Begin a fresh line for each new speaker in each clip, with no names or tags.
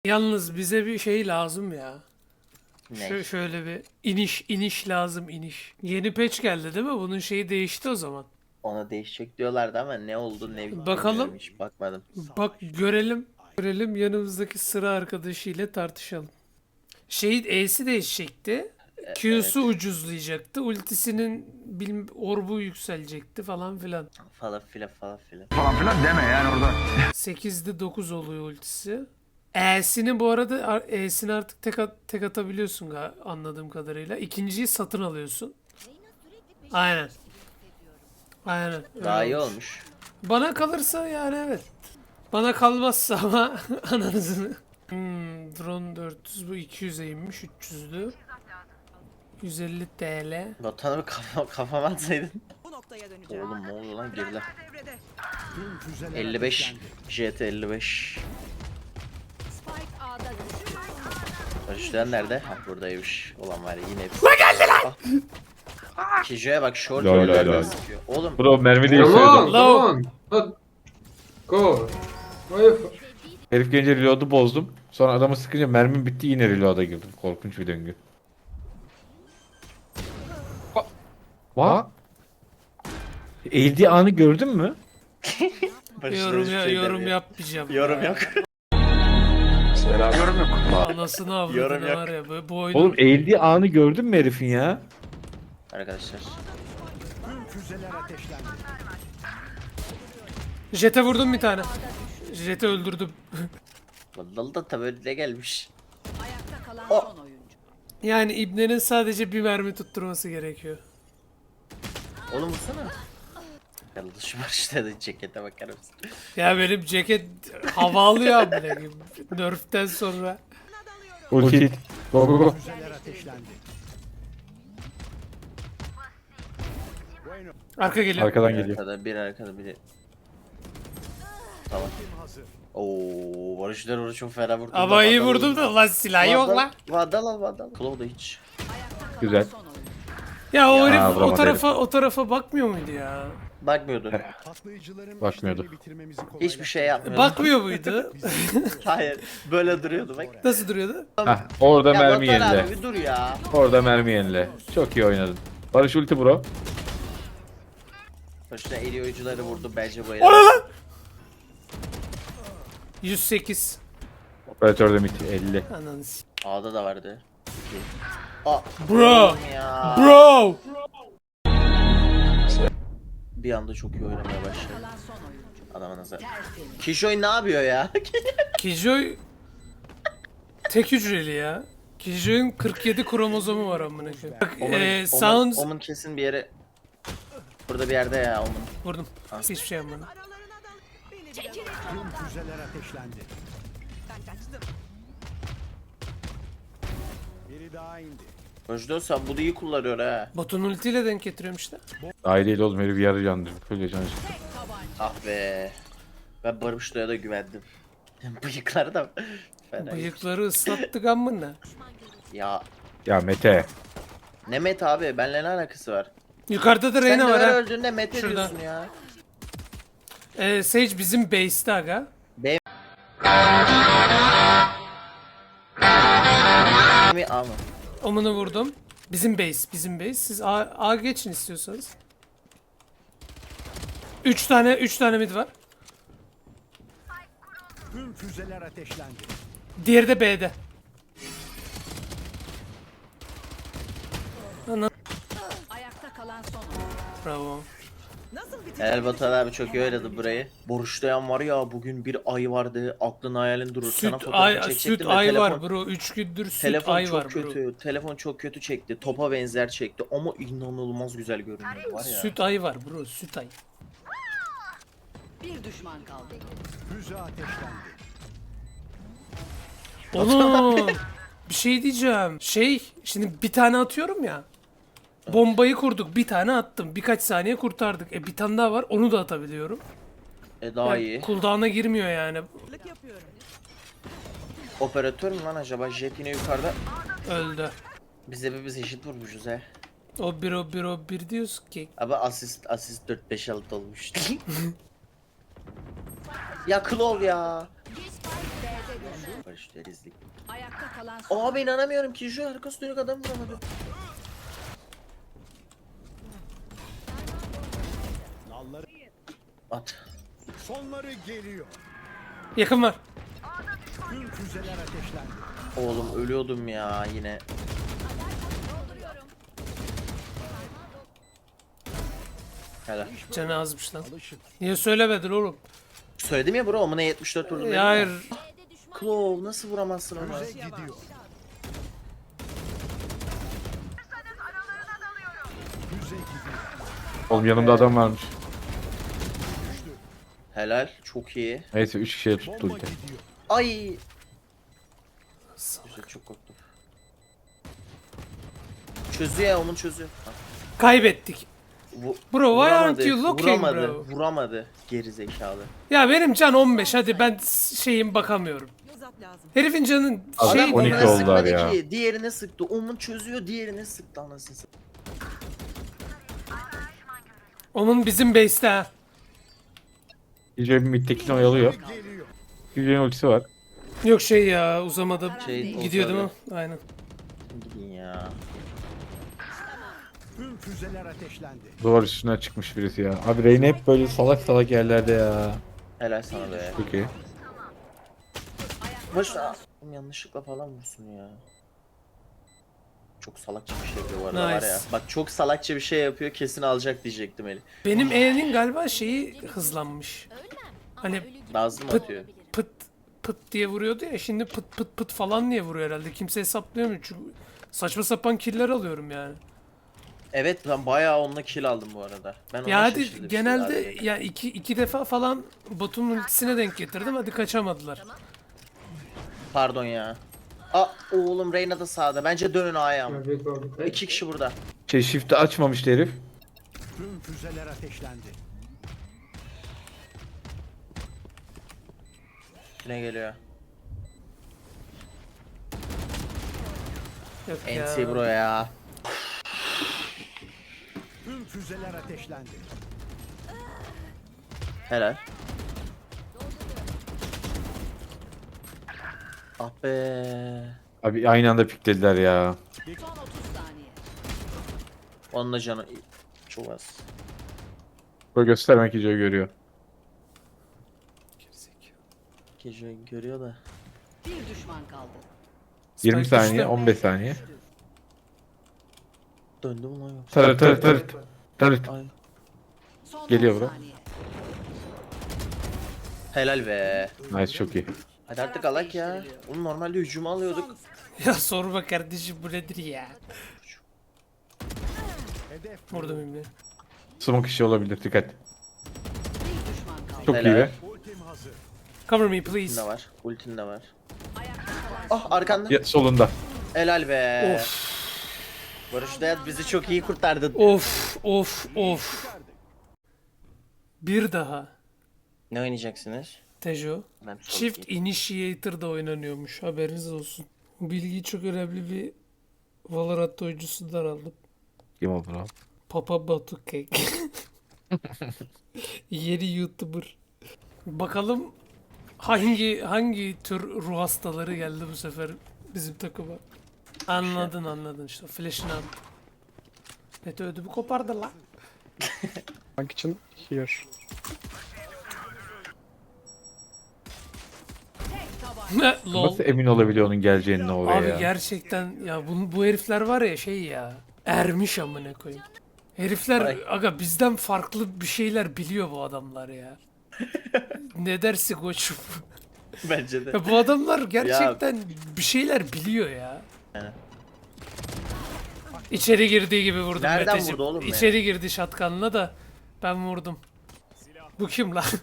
Yalnız bize bir şey lazım ya.
Ne?
Şöyle bir iniş lazım iniş. Yeni patch geldi değil mi? Bunun şeyi değişti o zaman.
Ona değişecek diyorlardı ama ne oldu ne
Bakalım.
bilmiyorum, hiç bakmadım.
Bak görelim. Görelim yanımızdaki sıra arkadaşı ile tartışalım. Şeyin E'si değişecekti. Q'su
Evet.
ucuzlayacaktı. Ultisinin orbu yükselecekti falan filan.
Falan filan falan filan.
Falan filan deme yani orada.
8'de 9 oluyor ultisi. E'sini bu arada E'sini artık tek atabiliyorsun anladığım kadarıyla. İkinciyi satın alıyorsun. Aynen. Aynen. öyle
Daha iyi
olmuş.
olmuş.
Bana kalırsa yani evet. Bana kalmazsa ama ananızını. Drone 400 bu 200'e inmiş 300'lü. 150 TL.
Botanı bir kafama atsaydın.
Bu noktaya döneceğim.
Oğlum ne oldu lan geriler.
Devrede.
55. JT 55.
Spike A'da düştü.
Barışlayan nerede? Ha buradaymış. Olan var ya yine hepsi. Ne geldi lan? Kijo'ya bak short
Lol,
öyle
lol.
sıkıyor. Oğlum
Bro mermi
Come
değiştirdim.
on, come
Low.
on. Not go. Why you
Herif gelince reload'u bozdum. Sonra adamı sıkınca mermim bitti yine reload'a girdim. Korkunç bir döngü. Va? Eğildiği anı gördün mü?
Barış'la
Yorum
hiçbir
ya,
şey
yorum
demiyor.
yapmayacağım.
Yorum
ya.
yok.
Yorum yok.
Anasını avradını
Yorum yok.
var ya bu oyunu.
Oğlum eğildiği anı gördün mü herifin ya?
Arkadaşlar.
Jet'e vurdum bir tane. Jet'i öldürdüm.
Vallahi da tabi öyle gelmiş.
Ayakta kalan
O-
son oyuncu.
Yani İbne'nin sadece bir mermi tutturması gerekiyor.
Oğlum vursana. Yalnız şu Barış'ta da cekete bakar mısın?
Ya benim ceket hava alıyor amına koyayım. Nerf'ten sonra.
Ulti. Go go go.
Arka geliyor.
Arkadan
Bir
geliyor.
arkada bir arkada biri. Tamam. Oo Barışlar orada çok fena vurdu.
Ama iyi vurdum da lan silah yok lan.
Vandal al vandal. Claw da hiç.
Güzel.
Son oyuncu.
Ya o herif
vuramadı
o tarafa bakmıyor muydu ya?
Bakmıyordu.
Bakmıyordu.
Hiçbir şey yapmıyordu.
Bakmıyor muydu?
Hayır. Böyle duruyordu bak.
Nasıl duruyordu?
Hah orada
Ya
mermi
Batuhan
yenile.
abi bir dur ya.
Orada mermi yenile. Çok iyi oynadın. Barış ulti bro.
Barışlar eli oyuncuları vurdu bence bu el.
O ne lan? 108.
Operatör de mid 50.
Ananı s-
A'da da vardı. Aa.
Bro.
oğlum Ya.
Bro.
Bir anda çok iyi oynamaya başladı.
Kalan son oyuncu.
Adama nazar.
Tertemiz.
Kişoy ne yapıyor ya?
Kijoy tek hücreli ya. Kijoy'un 47 kromozomu var amına koyayım. Bak Sounds
Omun kesin bir yere. Burada bir yerde ya Omun.
vurdum. Hiçbir şey yapmadım.
Barışlar sen bunu iyi kullanıyor ha.
Botun ultiyle denk getiriyorum işte.
Daha değil oğlum herif yarı candır. Böyle can.
Ah be. Ben Barışlar'a da güvendim. Bıyıkları da fena.
Bıyıkları ıslattık amına.
Ya
Ya Mete.
ne Met abi benimle ne alakası var?
Yukarıda da
Sen
Reyna
de
var
her
ha.
öldüğünde Met
Şurada.
ediyorsun ya.
Sage bizim base'te aga.
Mi A mı?
Omunu vurdum. Bizim base. Siz A geçin istiyorsanız. 3 tane mid var.
Tüm füzeler ateşlendi.
Diğeri de B'de.
Ayakta kalan son oyuncu.
Bravo.
Nasıl bitecek?
Helal Batuhan abi çok iyi oynadı burayı. Boruşlayan var ya bugün bir ay vardı. Aklın hayalin durur. Sana fotoğrafı çekecektim
Süt
de
ay
telefon,
var bro. 3 gündür süt
telefon
ay
çok
var bro.
kötü. Telefon çok kötü çekti. Topa benzer çekti ama inanılmaz güzel görünüyor var ya.
Süt ay var bro. Süt ay.
Bir düşman kaldı.
Füze ateşlendi.
Oğlum bir şey diyeceğim. Şimdi bir tane atıyorum ya. Bombayı kurduk. Bir tane attım. Birkaç saniye kurtardık. Bir tane daha var. Onu da atabiliyorum.
Daha
Yani
iyi.
cooldown'a girmiyor yani.
Lık yapıyorum.
Operatör mü lan acaba? Jet yine yukarıda.
Öldü.
Biz hepimiz eşit vurmuşuz he.
O bir diyorsun ki.
Ama asist 4-5-6 olmuş. Ya Claw ya.
Spike B'de düştü.
Barış derizlik.
Ayakta kalan son.
Abi inanamıyorum ki şu arkası dönük adam vuramadı.
Nalları
At.
sonları geliyor.
Yakın var.
Tüm füzeler ateşlendi.
Oğlum ölüyordum ya yine. Helal.
Canı azmış lan.
Alışın.
Niye söylemedin oğlum?
Söyledim ya bro amına 74 vurdum.
Ya hayır.
Claw nasıl vuramazsın onu?
Füze gidiyor. Füze gidiyor.
Oğlum yanımda adam varmış.
Helal çok iyi.
Neyse 3 kişiye tuttu
Bomba
ulti.
gidiyor.
Ay. Güzel çok korktum. Çözüyor ya onun çözüyor. Ha,
Kaybettik.
vu-
Bro, why
vuramadı,
aren't you looking,
vuramadı,
bro?
Vuramadı. Geri zekalı.
Ya benim can 15, hadi ben şeyim bakamıyorum.
Uzat lazım.
Herifin canın
Adam
şey
Adam
12
onuna
oldular
sıkmadı
ya.
ki. Diğerine sıktı. Onun çözüyor diğerine sıktı anasını satayım.
onun bizim base'te ha.
Kijoy bir midtekini oyalıyor.
Geliyor.
Kijoy'un ultisi var.
Yok şey ya, uzamadı.
Şey,
Gidiyor değil mi?
olsa
Aynen.
Gidin ya.
Tüm füzeler ateşlendi.
Duvar üstüne çıkmış birisi ya. Abi Reyna hep böyle salak salak yerlerde ya.
Helal sana be.
Peki.
Boş ver. Oğlum yanlışlıkla falan vursun ya. Çok salakça bir şey yapıyor bu arada var
Nice.
ya. Bak çok salakça bir şey yapıyor kesin alacak diyecektim Eli.
Benim E'nin galiba şeyi hızlanmış. Hani
Nazlı mı
Pıt.
atıyor?
pıt pıt diye vuruyordu ya, şimdi pıt pıt pıt falan diye vuruyor herhalde. Kimse hesaplayamıyor çünkü saçma sapan killer alıyorum yani.
Evet ben bayağı onunla kill aldım bu arada. Ben ona
Ya hadi
şaşırdım
genelde
şimdi
ya iki defa falan botun ultisine denk getirdim, hadi kaçamadılar.
Pardon ya. Aa oğlum Reyna da sağda. Bence dönün A'ya ama.
Trafik oldu.
İki kişi burada.
Şey shift'i açmamıştı herif.
Tüm füzeler ateşlendi.
Ne geliyor?
Yok ya.
NC bro ya.
Tüm füzeler ateşlendi.
Helal. Ah be.
Abi aynı anda piklediler ya.
Son 30 saniye.
Onunla canı çok az.
Böyle göstermek Kijoy görüyor.
Gece görüyor da.
Bir düşman kaldı.
20
Spike
saniye,
düştü.
15 saniye.
Döndü mü lan yoksa?
Tarıt tarıt tarıt. Tarıt.
Ay.
Son
Geliyor
10
bro.
saniye.
Helal be.
Nice çok iyi.
Hadi artık alak ya. Oğlum normalde hücumu alıyorduk.
Ya sorma kardeşim, bu nedir ya?
Hedef
Vurdum şimdi.
Smoke işi olabilir dikkat.
Bir düşman kaldı.
Çok iyi
Helal.
be.
ultim hazır.
Cover me
Ultin
please.
de var. Ultin de var.
Ayakta kalan
Ah arkanda.
Ya, solunda.
Helal be.
Of
Barış Dayat bizi çok iyi kurtardı.
of of of. Bir daha.
Ne oynayacaksınız?
Tejo.
Ben sol
Çift
gideyim.
Initiator da oynanıyormuş. Haberiniz olsun. Bu bilgiyi çok önemli bir Valorant oyuncusundan aldım.
Kim oldu lan?
Papa Batu Cake. Yeni YouTuber. Bakalım hangi tür ruh hastaları geldi bu sefer bizim takıma. Anladın işte. Flash'ını attı. Mete ödümü kopardı lan.
Tank için here.
Lol.
Nasıl emin olabiliyor onun geleceğine oraya
Abi
ya?
gerçekten ya bu herifler var ya şey ya. Ermiş amına koyayım. Herifler
Ay.
aga bizden farklı bir şeyler biliyor bu adamlar ya. Ne dersin koçum?
Bence de.
Ya bu adamlar gerçekten bir şeyler biliyor ya.
Yani.
İçeri girdiği gibi vurdum
Nereden
Meteciğim.
vurdu oğlum ya?
İçeri girdi şatkanla da ben vurdum. Bu kim lan?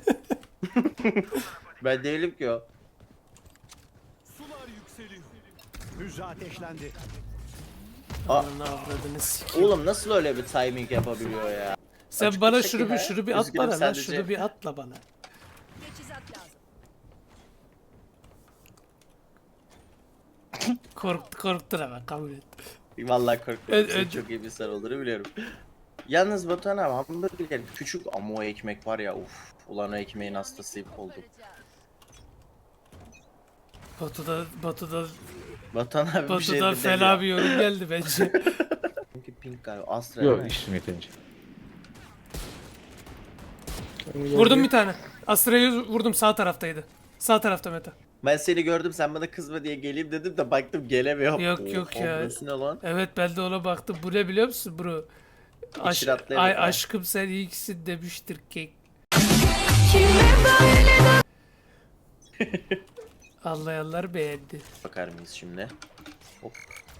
Ben değilim ki o.
Sular yükseliyor. Füze ateşlendi.
Aa.
Ananı avradını sikeyim.
Oğlum nasıl öyle bir timing yapabiliyor ya?
Sen
açık
bana
bir şekilde
şunu bir at
üzgünüm
bana lan.
sadece.
Şunu bir atla bana.
Teçhizat lazım.
Korktun ama kabul et.
Vallahi korktum.
Ö-
Sen
ö-
çok iyi bir insan olduğunu biliyorum. Yalnız Batuhan abi hamburger küçük ama o ekmek var ya uf. Ulan o ekmeğin hastasıyım oldum.
Batu'da
Batuhan abi bir şey
Batu'da
demiyor.
fena bir yorum geldi bence.
Çünkü pink galiba. Astra
Yok
değil mi?
işim yetince.
Vurdum bir tane. Astra'yı vurdum, sağ taraftaydı. Sağ tarafta Meta.
Ben seni gördüm sen bana kızma diye geleyim dedim de baktım gelemiyorum.
Yok, yok
Oha,
ya.
burası ne lan?
Evet, ben de ona baktım. Bu ne biliyor musun bro?
İçine atlayamadım ha.
Aşkım sen iyisin demiştir kek. Anlayanlar beğendi.
Bakar mıyız şimdi? Hop.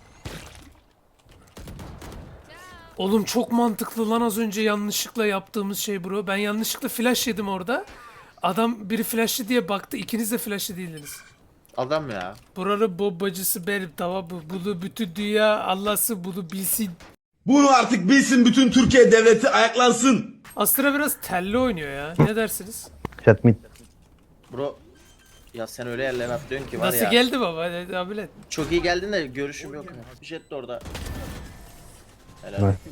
Oğlum çok mantıklı lan az önce yanlışlıkla yaptığımız şey bro. Ben yanlışlıkla flash yedim orada. Adam biri flashlı diye baktı. İkiniz de flashlı değildiniz.
Adam ya.
Buranın bombacısı benim, tamam mı? Bunu bütün dünya Allah'sı bunu bilsin.
Bunu artık bilsin bütün Türkiye devleti ayaklansın.
Astra biraz telli oynuyor ya. Ne dersiniz?
Chat mid.
Bro. Ya sen öyle yerlere atlıyorsun ki var
Nasıl
ya.
geldi baba? Hadi abilet.
Çok iyi geldin de görüşüm yok. Jet de orada. Helal.
Evet.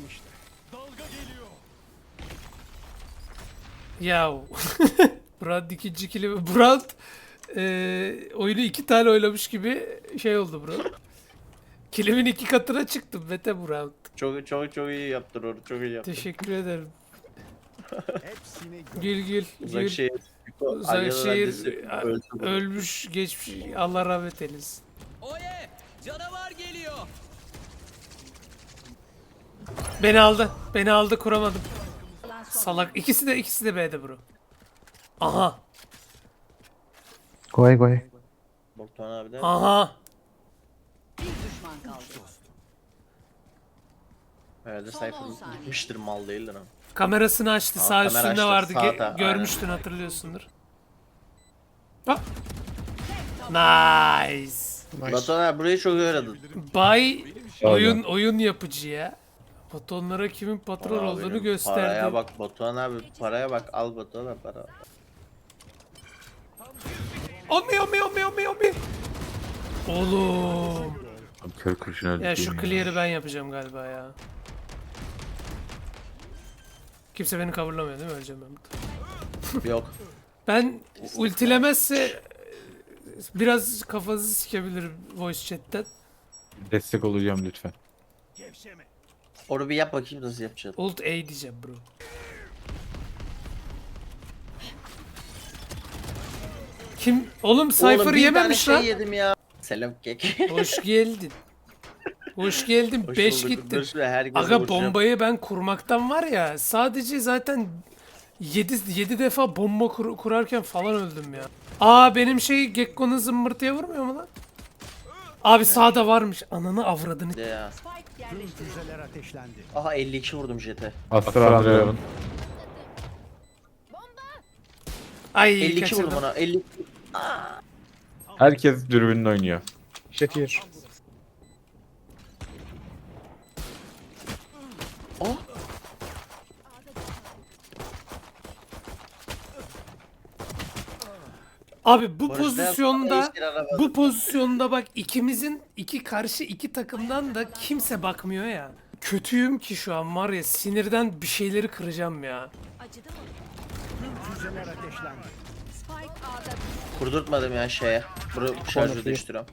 Yahu. Brand ikinci kilimi. Brand oyunu 2 tane oynamış gibi şey oldu bro. Kilimin 2 katına çıktım Mete Brand.
Çok iyi yaptın onu. Çok iyi yaptın.
Teşekkür ederim.
Hepsini
Gül.
Uzak şehir.
Uzak
Alya'nın
şehir
annesi öldü.
ölmüş geçmiş. Allah rahmet eylesin.
Oye! Canavar geliyor.
Beni aldı kuramadım. Salak. İkisi de B'de bro. Aha.
Go away.
Batuhan abi de.
Aha.
Bir düşman kaldı.
Herhalde
Son
Cypher
10 saniye.
gitmiştir mal değildir ama.
Kamerasını açtı.
Aa,
Sağ
kamera
üstünde
açtı,
vardı.
sağda,
Görmüştün, hatırlıyorsundur. Hop. Nice.
Batuhan abi burayı çok iyi öğrendin.
Bay oyun yapıcı ya. Batonlara kimin patron
Aa,
olduğunu
benim
gösterdi.
Paraya bak Batuhan abi. Paraya bak. Al Batuhan abi para.
Omi. Oğlum.
Kör kurşun öldü.
Ya şu clear'ı ben yapacağım galiba ya. Kimse beni coverlamıyor değil mi? Öleceğim ben burada.
Yok.
Ben ultilemezse biraz kafanızı sikebilirim voice chat'ten.
Destek olacağım lütfen.
Onu bir yap bakayım nasıl yapacağız.
Ult A diyeceğim bro. Kim? Oğlum Cypher
Oğlum, bir
yememiş
tane
lan.
şey yedim ya. Selam kek.
Hoş geldin. Hoş geldin.
Hoş
5
bulduk.
gittin.
Dur şuraya, herkese
Aga
vuracağım.
bombayı ben kurmaktan var ya, sadece zaten 7 defa bomba kurarken falan öldüm ya. Aa benim şey Gekko'nun zımbırtıya vurmuyor mu lan? Abi sağda varmış. Ananı avradını.
De ya.
Spike
tüm
yerleştirildi.
füzeler ateşlendi.
Aha 52 vurdum jete.
Astra Andreev'in.
Ay
52
kaçırdım.
vurdum ona. 50.
Herkes dürbünle oynuyor.
Jet here.
Abi bu
Barış
pozisyonda
Beyaz- Eşkir araba.
bu pozisyonda bak ikimizin karşı iki takımdan da kimse bakmıyor ya. Kötüyüm ki şu an var ya, sinirden bir şeyleri kıracağım ya.
Acıdı mı?
Tüm füzeler ateşlendi.
Spike A'da
Kurdurtmadım ya şeye. Bunu şarjı değiştiriyorum.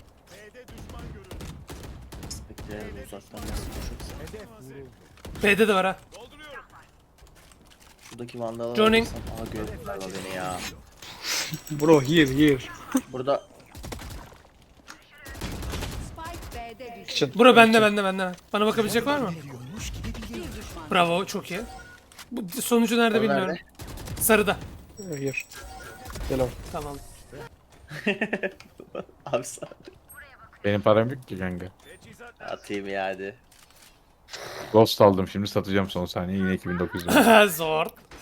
Spektral'e uzaktan nasıl koşuyorsa.
Hedef vuruldu.
B'de de var ha.
Şuradaki vandalı
Johnny.
Aha gördüm galiba beni ya.
Bro here.
Burada
Spike B'de düştü.
Kitchen.
Bura bende. Bana bakabilecek var mı?
Bir düşman.
Bravo, çok iyi. Bu sonucu nerede
O
bilmiyorum.
nerede?
Sarıda.
Here. Yellow.
Tamam.
abi sağ
Benim param yok ki kanka.
atayım ya hadi.
Ghost aldım şimdi satacağım son saniye yine 2900 lira.
Zor.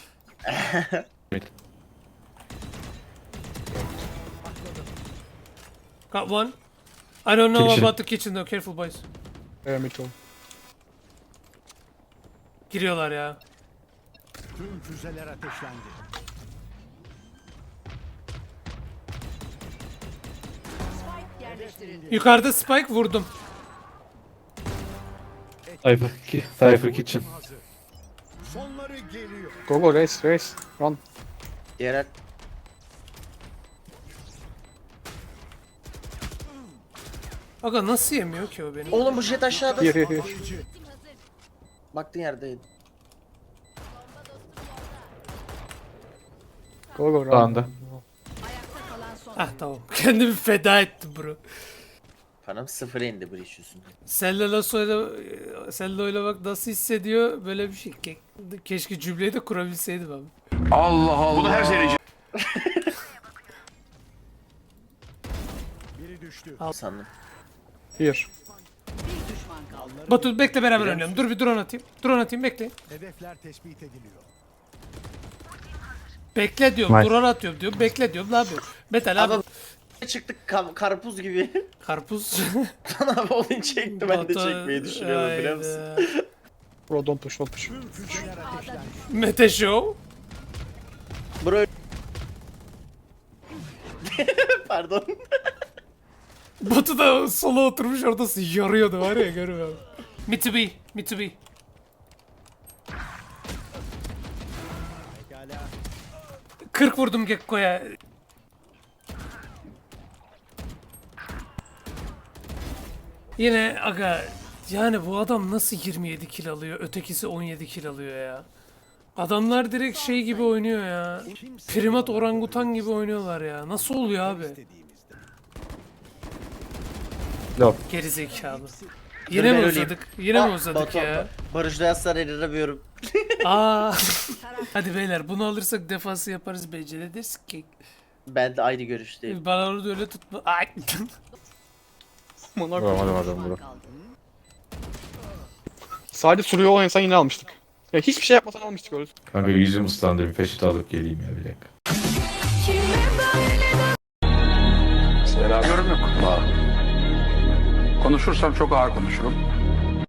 Got one. I don't know
Kitchen.
about the kitchen though. Careful boys.
Me too.
Giriyorlar ya.
Tüm füzeler ateşlendi.
Spike yerleştirildi.
Yukarıda spike vurdum.
Cypher Kitchen.
Hazır. Sonları geliyor.
Go race. Run.
Diğer
Aga nasıl yemiyor ki o beni?
Oğlum bu jet aşağıda.
Here, here, here.
Baktığın yerdeydi.
Go, go,
Sağında.
round.
Ayakta kalan son.
Ah tamam. Kendimi feda ettim bro.
Param sıfıra indi bu iş yüzünden.
Sello'yla bak nasıl hissediyor böyle bir şey. Keşke cümleyi de kurabilseydim abi.
Biri düştü.
Sandım.
Here.
Bir düşman kaldı.
Batu bekle beraber oynayalım. Dur bir drone atayım. Drone atayım bekle.
Hedefler tespit ediliyor.
Bekle diyorum.
Nice.
Drone atıyorum diyorum. Bekle diyorum. Ne yapıyorum? Metal abi.
Abi çıktık karpuz gibi.
Karpuz.
Abi onu çekti ben de
Batu-
çekmeyi düşünüyordum biliyor musun?
Hayda.
Bro, don't push, don't push.
Tüm füzeler ateşlendi.
Mete Show.
Bro. Pardon.
Batu da sola oturmuş orada yarıyordu var ya görmüyorum. Me to be. Me to be.
Pekala.
40 vurdum Gekko'ya. Yine aga yani bu adam nasıl 27 kill alıyor? Ötekisi 17 kill alıyor ya. Adamlar direkt şey gibi oynuyor ya. Primat orangutan gibi oynuyorlar ya. Nasıl oluyor abi?
İstediğimizde.
Yok.
Geri zekalı. Yine mi
ben
uzadık? Yine mi uzadık ya?
Barış Dayaslar eriremiyorum.
Aa. Hadi beyler bunu alırsak defansı yaparız beceri deriz ki.
Ben de aynı görüşteyim.
Bana onu da öyle tutma. Ay.
Vuramadım adamı bro.
Kaldı.
Sadece sürüyor olan insan yine almıştık. Ya hiçbir şey yapmasan almıştık öyle.
Kanka yüzüm ıslandı. Bir peçete alıp geleyim ya bir dakika.
Yorum yok. Konuşursam çok ağır konuşurum.